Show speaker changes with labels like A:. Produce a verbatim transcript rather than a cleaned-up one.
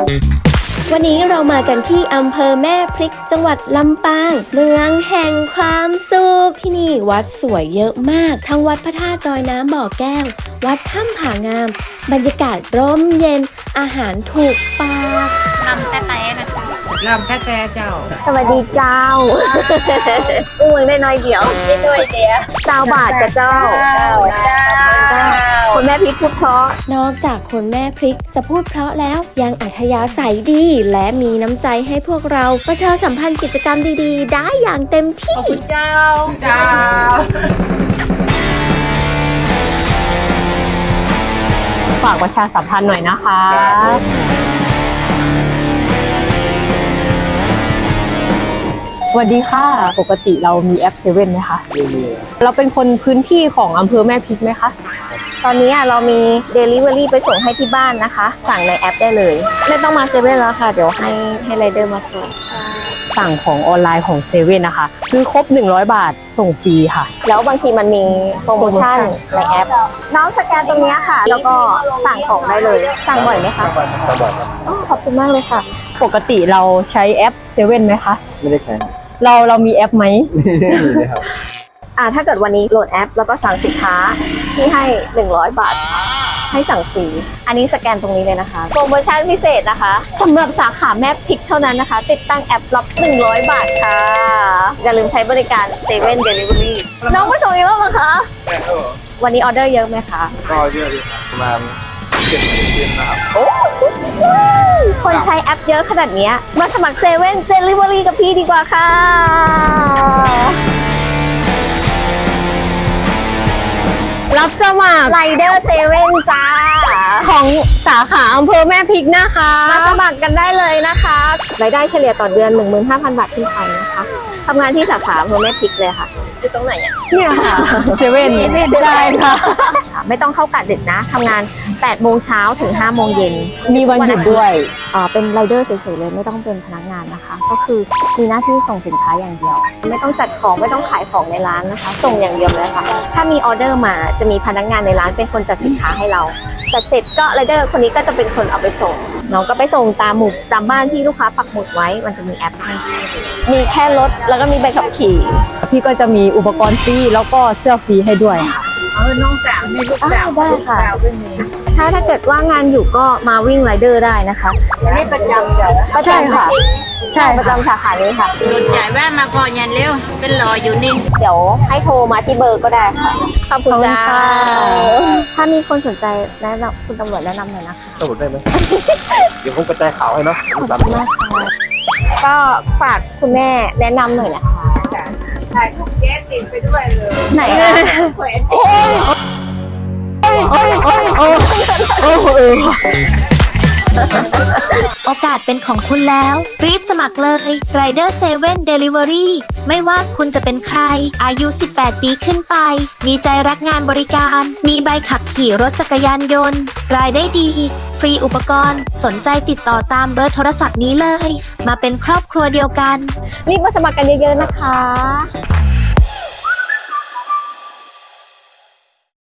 A: วันนี้เรามากันที่อำเภอแม่พริกจังหวัดลำปางเมืองแห่งความสุขที่นี่วัดสวยเยอะมากทั้งวัดพระธาตุดอยน้ำบ่อแก้ววัดถ้ำผางามบรรยากาศร่มเย็นอาหารถูกปาก
B: ลำแต่แต่นะจ๊ะลำแต่แต่เจ้า
A: สวัสดีเจ้าอุ้งได้น้อยเดียว
B: ไม่ด้วยเดียว
A: เจ้าบาทกับเจ้า
B: เจ้า
A: คนแม่พริกพูดเพราะนอกจากคนแม่พริกจะพูดเพราะแล้วยังอัธยาศัยดีและมีน้ำใจให้พวกเราประชาสัมพันธ์กิจกรรมดีๆได้อย่างเต็มที่
B: เจ้าเจ้า
C: ฝากประชาสัมพันธ์หน่อยนะคะสวัสดีค่ะปกติเรามีแอปเซเว่นไหมคะเราเป็นคนพื้นที่ของอำเภอแม่พริกไหมคะ
A: ตอนนี้เรามี Delivery ไปส่งให้ที่บ้านนะคะสั่งในแอปได้เลยไม่ต้องมาเซเว่นแล้วค่ะเดี๋ยวให้ให้ไรเดอร์มาส่ง
C: สั่งของออนไลน์ของเซเว่นนะคะซื้อครบหนึ่งร้อยบาทส่งฟรีค่ะ
A: แล้วบางทีมันมีโปรโมชั่นในแอปน้องสแกนตรงนี้ค่ะแล้วก็สั่งของได้เลยสั่งบ่อยไหมคะบ่อยขอบคุณมากเลยค่ะ
C: ปกติเราใช้แอปเซเว่นไหมคะ
D: ไม่ได้ใช้
C: เราเรามีแอปไหม
D: มีเลยครับ
A: อ่าถ้าเกิดวันนี้โหลดแอปแล้วก็สั่งสินค้าที่ให้หนึ่งร้อยบาทให้สั่งฟรีอันนี้สแกนตรงนี้เลยนะคะโปรโมชั่นพิเศษนะคะสำหรับสาขาแม่พริกเท่านั้นนะคะติดตั้งแอปรับหนึ่งร้อยบาทค่ะอย่าลืมใช้บริการเซเว่นเดลิเวอรี่น้องไปส่งอีกแล้วเหรอคะวันนี้ออเดอร์เยอะไหมคะ
D: ก็เยอะอยู่ครับประมาณเจ็ดสิบเต็มนะครับ
A: โอ้จริงๆเลยคนใช้แอปเยอะขนาดนี้มาสมัครเซเว่นเดลิเวอรี่กับพี่ดีกว่าค่ะ
C: รับสมัคร
A: ไรเดอร์เซเว่นจ้า
C: ของสาขาอำเภอแม่พริกนะคะ
A: มาสมัครกันได้เลยนะคะรายได้เฉลี่ยต่อเดือน หนึ่งหมื่นห้าพัน บาทขึ้นไปนะคะทำงานที่สาขาอำเภอแม่พริกเลยค่ะอยู่ตรงไหนอ่ะ
C: เนี่ยค่ะเซเว่นได้ค่ะ
A: ไม่ต้องเข้ากะดึกนะทำงานแปดโมงเช้าถึงห้าโมงเย็น
C: มีวันหยุดด้วย
A: อ่าเป็นไรเดอร์เฉยๆเลยไม่ต้องเป็นพนักงานนะคะก็คือมีหน้าที่ส่งสินค้าอย่างเดียวไม่ต้องจัดของไม่ต้องขายของในร้านนะคะส่งอย่างเดียวเลยค่ะถ้ามีออเดอร์มาจะมีพนักงานในร้านเป็นคนจัดสินค้าให้เราจัดเสร็จก็ไรเดอร์คนนี้ก็จะเป็นคนเอาไปส่งน้องก็ไปส่งตามหมู่ตามบ้านที่ลูกค้าปักหมุดไว้มันจะมีแอปให้มีแค่รถแล้วก็มีใบขับขี่
C: พี่ก็จะมีอุปกรณ์ฟรีแล้วก็เสื้อฟรีให้ด้วยค่ะ
B: เออน้องสาวมีลูกสาว
A: ได้ค่ะถ้าถ้าเกิดว่างานอยู่ก็มาวิ่งไรเดอร์ได้นะคะ
B: นี่ประจำเดี๋ยว
C: ใช่ค่ะ
A: ใช่ประจำสาขานี้ค่ะ
B: หลุดจ่ายแว่มาก่อนยันเร็วเป็นรออยู่นี่
A: เดี๋ยวให้โทรมาที่เบอร์ก็ได้ค่ะขอบคุณจ้าถ้ามีคนสนใจแนะนำคุณตำรวจแนะนำหน่อยนะคะ
D: ตำรวจได้ไหมเดี๋ยวผมกระจายข่าวให้เนาะ
A: ขอบคุณมากค่ะก็ฝากคุณแม่แนะนำหน่อยนะคะ
B: ถ่ายรูปแก๊สติดไปด้วยเลย
A: ไหนคะโอ้ยโอ้ยโอ้ยโอ้ยโอ้ยโอ้ย
E: โอกาสเป็นของคุณแล้วรีบสมัครเลย Rider เซเว่น Delivery ไม่ว่าคุณจะเป็นใครอายุสิบแปดปีขึ้นไปมีใจรักงานบริการมีใบขับขี่รถจักรยานยนต์รายได้ดีฟรีอุปกรณ์สนใจติดต่อตามเบอร์โทรศัพท์นี้เลยมาเป็นครอบครัวเดียวกัน
A: รีบมาสมัครกันเยอะๆนะคะ